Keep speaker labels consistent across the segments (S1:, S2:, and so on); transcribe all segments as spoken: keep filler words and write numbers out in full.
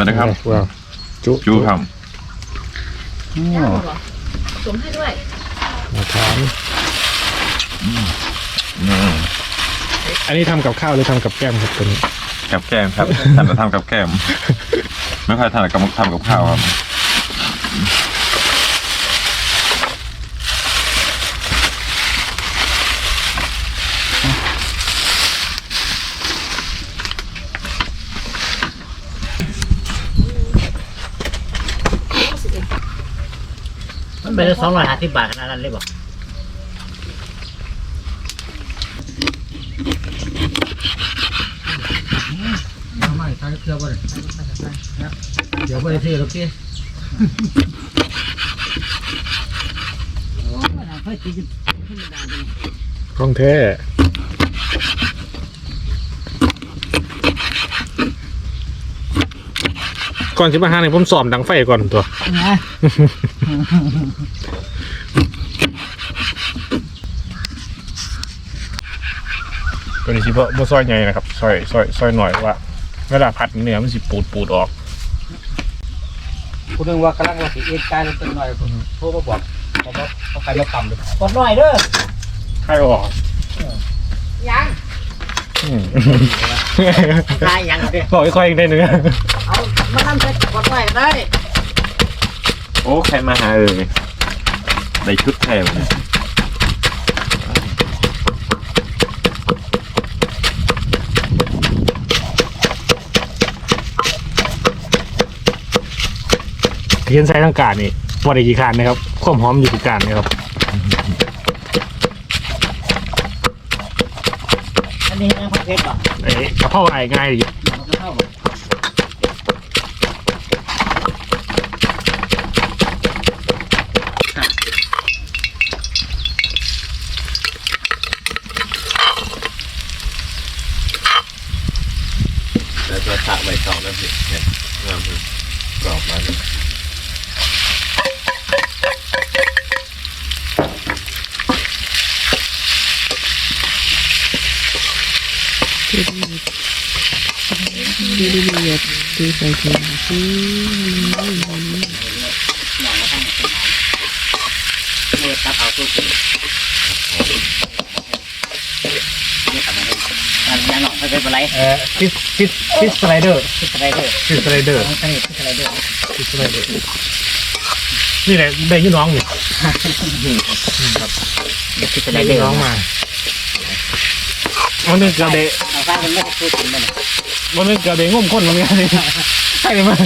S1: วัสดีครับ
S2: ว้าวจุ
S1: จูครับ
S3: ย่างหรอสวมให้ด้วย
S2: มาทานอันนี้ทำกับข้าวหรือทำกับแก้มครับตัวนี้
S1: กับแก้มครับทำแต่ทำกับแก้มไม่ค่อยทำกับทำกับข้าวครับ
S4: มันเป็นสองร้อยห้าสิบบาทขนาดนั้นเลยบอกไม่ใช่เชื่อบ่ได้เดี๋ยวบ่ได้ซื้อหรอกพี่
S2: ของแท้ก่อนสิมาหาเนี่ยผมสอบดังไฟก่อนตัวตัวนี้ชิบะบ่ซอยใหญ่นะครับซอยซอยซอยหน่อยว่าเวลาผัดเนื้อมันสิปูดปูดออก
S4: คุณนึกว่ากำลังว่าสิเอ็นกายลงตัวหน่อยโทรมาบอกบอกว่าเขาใครมาทำเลยกดหน่อยเด้อ
S2: ใครออก
S3: ยัง
S4: ใครยังเด้อ
S2: บอกค่อยๆอีกได้หนึ่ง
S4: เอามาทำเสร็จกดหน่อยได้
S1: โอ้ใครมาหาเอ่ยได้ชุดแทน
S2: เทียนใส่ทั้งการนี่วันอีกกี่คานนะครับความหอมอยู่กี่การนะครับ
S4: อันนี้นะผักเผ็ดป่ะ
S2: เอ้กระเพราไอ้ง่ายดิ
S1: แต่จะตักใบตองนั่นสิเนี่ยงามคือกรอบมาเลย
S3: ดีดีดีดีใส่ถุงอืม
S4: เนี่ยตัดเอาสุดนี่ทำอะไรอันนี้หน่อยไม่เป็นไร
S2: เอ่อฟิสฟิสฟิสสไลเดอร์
S4: ฟิสไรเดอร์
S2: ฟิสสไลเดอร์
S4: ต้องใช้ฟิสไรเดอร์
S2: ฟิสสไลเดอร์นี่แหละได้ยี่น้องนี่
S4: ครับฟิสไรเดอร์
S2: น้องมาวันนึงกระเดะ
S4: เอาฟ้ามันไม่พูดถึงมัน
S2: วันนึงกระเดะงุ่มข้นมันนี่ใช่ไหม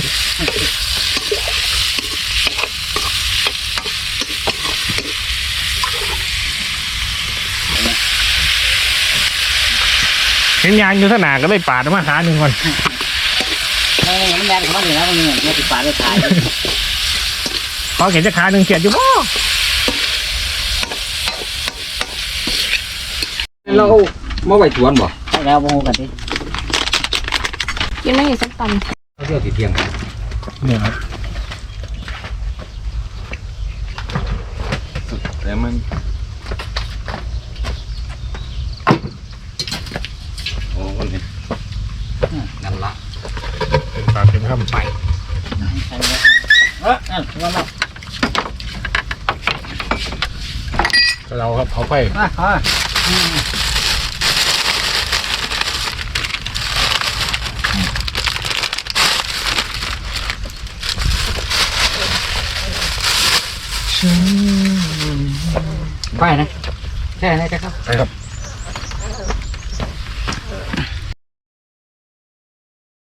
S2: เห็นยางอยู่สนามก็เลยปาดมาหาหนึ่งคน
S4: เออมันแรงของมันอยู่แล้วมันเนี่ยติดปากด้วยท้าย
S2: พอเห็นจะขาหนึ่งเขียดอยู่บ่
S5: เรามาไว้สวนบ่
S4: แล้วโมกันดิ
S3: ยังไม่เห็นสักตำ
S5: เขาเที่ยวติดเที่ยง
S2: เนี่ยครับ
S1: แต่มันโอ้คนนี้
S5: นั่นละ
S2: เป็นปลาเป็นข้ามไป
S4: เออนั่นว่ามา
S2: เราครับเขาไป
S4: มาขอไปนะแค่ไหนจะครับ
S2: ไปครับ